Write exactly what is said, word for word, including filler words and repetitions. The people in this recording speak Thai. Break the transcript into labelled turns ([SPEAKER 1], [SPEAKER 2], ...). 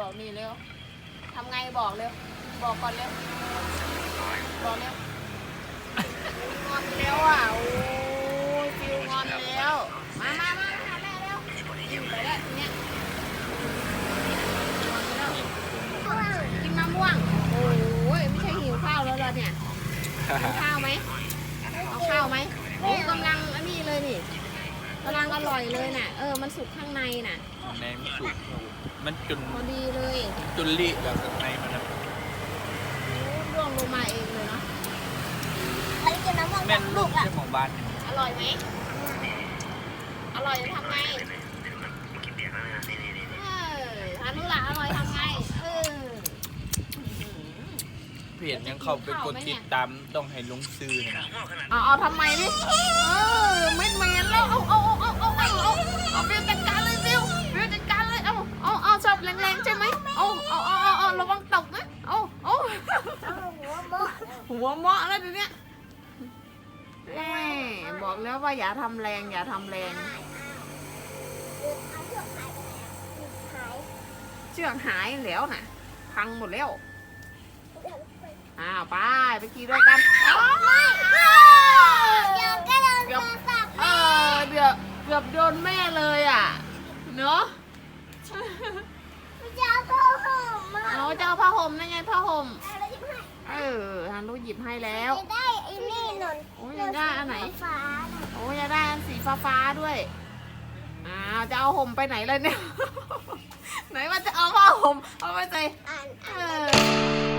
[SPEAKER 1] บอกนี่เร็วทำไงบอกเร็วบอกก่อนเร็วบอกเร็วงอนแล้วอ่ะโอ้ยฟิวงอนแล้วมามามาหาแม่เร็วกินไปแล้วทีเนี้ยกินมะม่วงโอ้ยไม่ใช่หิวข้าวแล้วเหรอเนี่ยกินข้าวไหมเอาข้าวไหมโอ้กำลังอันนี้เลยนี่กำลังอร่อยเลยน่ะเออมันสุกข้างในน่ะ
[SPEAKER 2] ในมันสุกมันจุน
[SPEAKER 1] พอดีเลย
[SPEAKER 2] จุนลิแล้วข้างในมันนะ
[SPEAKER 1] ร่วงลงมาเองเลยเนาะ
[SPEAKER 2] แม่นลูกเจ้าของบ้าน
[SPEAKER 1] อร่อยไหมอร่อยทำไงเออทานุละอร่อยทำไงเออ
[SPEAKER 2] เพจยังเข้าไปกดติดตามต้องให้ลงซื้อนะ
[SPEAKER 1] เอาเอาทำไมดิเออไม่เหม็นแล้วเอาเอาเอาเอาเอาเอาเอาฟิวจัดการเลยฟิวฟิวจัดการเลยเอาเอาเอาชอบแรงๆใช่ไหมเอาเอาเอาเอาเอาระวังตกนะเอาเอาหัวเมาะแล้วทีเนี้ยแม่บอกแล้วว่าอย่าทำแรงอย่าทำแรงเชือกหายแล้วน่ะพังหมดแล้วอ้าวไปไปขี่ด้วยกันเกือบเออเดี๋ยวเกือบโดนแม่เลยอ่ะเนาะ
[SPEAKER 3] จะเอาผ้าห่มมา
[SPEAKER 1] เอาจะเอาผ้าห่มนั่นไงผ้าห่มเออฮันรู้หยิบให้แล้ว
[SPEAKER 3] จะได้ไอ้นี่หนุน
[SPEAKER 1] โอ้ยได้อันไหน
[SPEAKER 3] ฟ้า
[SPEAKER 1] โอ้ยจะได้อันสีฟ้าฟ้าด้วยอ้าวจะเอาห่มไปไหนเลยเนี่ยไหนว่าจะเอาผ้าห่มเอาไปใส่
[SPEAKER 3] อ่าน
[SPEAKER 1] เอ
[SPEAKER 3] อ่าน
[SPEAKER 1] อ